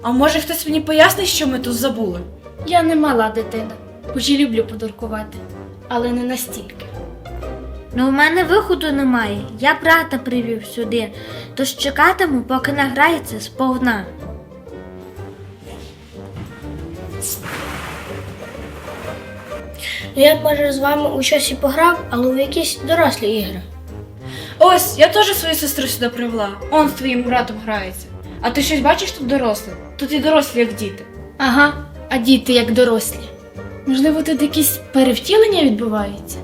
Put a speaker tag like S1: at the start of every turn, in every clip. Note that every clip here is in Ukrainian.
S1: А може хтось мені пояснить, що ми тут забули?
S2: Я не мала дитина, хоч і люблю подуркувати, але не настільки.
S3: Ну, в мене виходу немає. Я брата привів сюди, тож чекатиму, поки награється сповна.
S4: Я б, може, з вами у щось і пограв, але у якісь дорослі ігри.
S1: Ось, я теж свою сестру сюди привела. Он з твоїм братом грається. А ти щось бачиш тут дорослих? Тут і дорослі, як діти.
S2: Ага, а діти як дорослі. Можливо, тут якісь перевтілення відбуваються?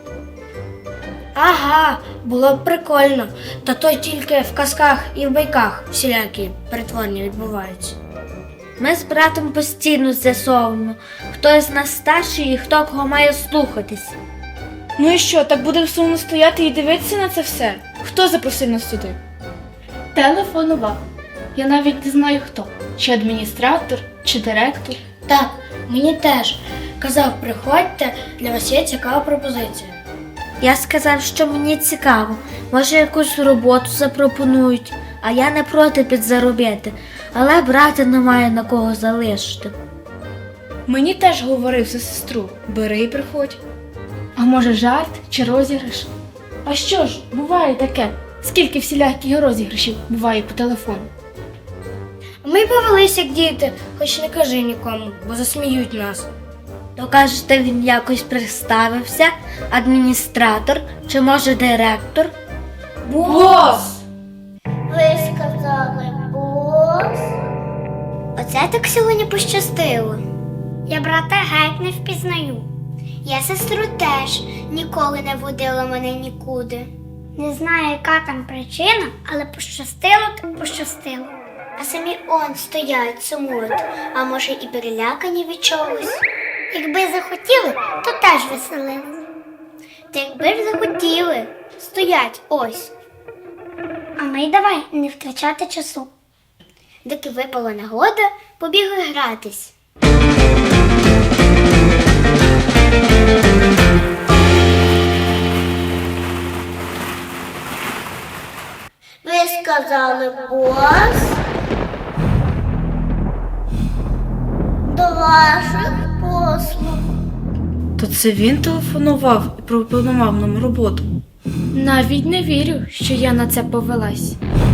S4: Ага, було б прикольно. Та то тільки в казках і в байках всілякі перетворення відбуваються.
S3: Ми з братом постійно з'ясовуємо, хто з нас старший і хто кого має слухатись.
S1: Ну і що, так будемо сумно стояти і дивитися на це все? Хто запросив нас сюди?
S2: Телефонував. Я навіть не знаю хто. Чи адміністратор, чи директор.
S4: Так, мені теж. Казав, приходьте, для вас є цікава пропозиція.
S3: Я сказав, що мені цікаво, може якусь роботу запропонують, а я не проти підзаробити, але брата немає на кого залишити.
S1: Мені теж говорив за сестру. Бери і приходь.
S2: А може жарт чи розіграш? А що ж, буває таке. Скільки всіляких розіграшів буває по телефону.
S4: Ми повелись як діти, хоч не кажи нікому, бо засміють нас.
S3: То кажете, він якось представився, адміністратор чи може директор?
S1: Бос!
S5: Ви сказали бос? Оце так сьогодні пощастило. Я брата геть не впізнаю. Я сестру теж ніколи не водила мене нікуди. Не знаю, яка там причина, але пощастило так пощастило. А самі он стоять, сумують, а може і перелякані від чогось. Якби захотіли, то теж веселили. Та якби ж захотіли, стоять ось. А ми й давай не втрачати часу. Доки випала нагода, побігли гратись. Ви сказали бос? До ваших послуг.
S1: То це він телефонував і пропонував нам роботу.
S2: Навіть не вірю, що я на це повелась.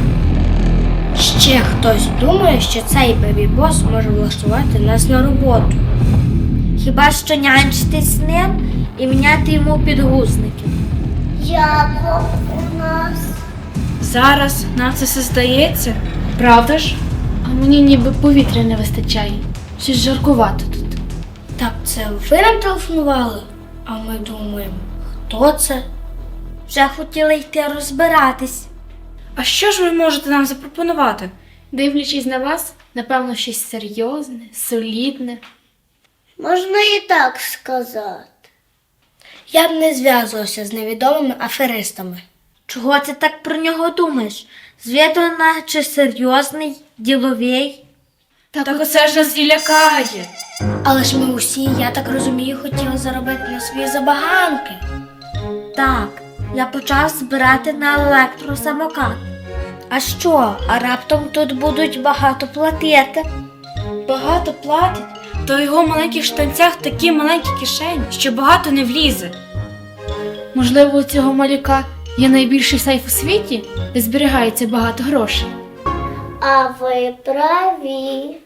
S4: Ще хтось думає, що цей бебі-бос може влаштувати нас на роботу.
S3: Хіба що нянчитись з ним і міняти йому підгузники.
S5: Як у нас?
S1: Зараз нам це все здається. Правда ж?
S2: А мені ніби повітря не вистачає. Щось жаркувато тут.
S4: Так це ви нам телефонували? А ми думаємо, хто це?
S3: Вже хотіли йти розбиратись.
S1: А що ж ви можете нам запропонувати?
S2: Дивлячись на вас, напевно, щось серйозне, солідне.
S5: Можна і так сказати.
S4: Я б не зв'язувався з невідомими аферистами.
S3: Чого ти так про нього думаєш? Звіду наче серйозний, діловий.
S1: Так оце ж нас і лякає.
S4: Але ж ми усі, я так розумію, хотіли заробити на свої забаганки.
S3: Так, я почав збирати на електросамокат. А що, а раптом тут будуть багато платити?
S1: Багато платить, то в його маленьких штанцях такі маленькі кишені, що багато не влізе.
S2: Можливо, у цього малюка є найбільший сейф у світі, де зберігається багато грошей.
S5: А ви праві.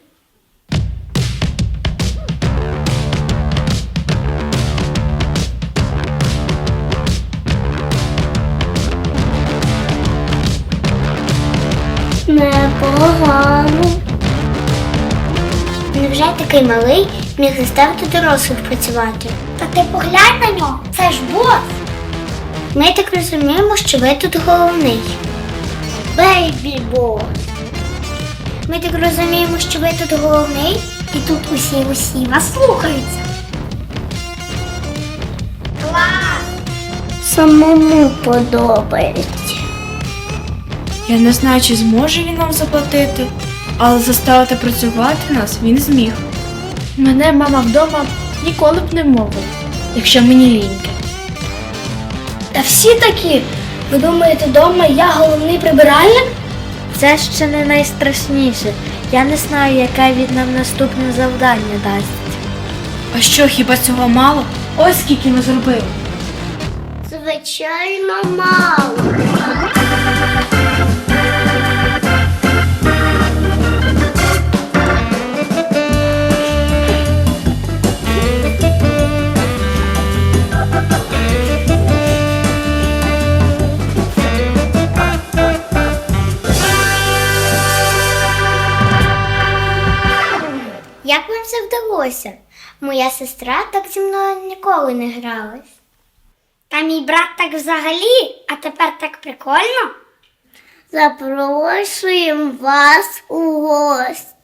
S5: Непогано. Невже такий малий міг заставити дорослих працювати? Та ти поглянь на нього, це ж бос. Ми так розуміємо, що ви тут головний. Бейбі-бос. Ми так розуміємо, що ви тут головний, і тут усі вас слухаються. Клас! Самому подобається.
S1: Я не знаю, чи зможе він нам заплатити, але заставити працювати нас він зміг.
S2: Мене мама вдома ніколи б не мовила, якщо мені ліньки.
S4: Та всі такі. Ви думаєте, вдома я головний прибиральник?
S3: Це ще не найстрашніше. Я не знаю, яке він нам наступне завдання дасть.
S1: А що, хіба цього мало? Ось скільки ми зробили.
S5: Звичайно, мало. Як вам це вдалося? Моя сестра так зі мною ніколи не гралась. Та мій брат так взагалі, а тепер так прикольно. Запрошуємо вас у гості.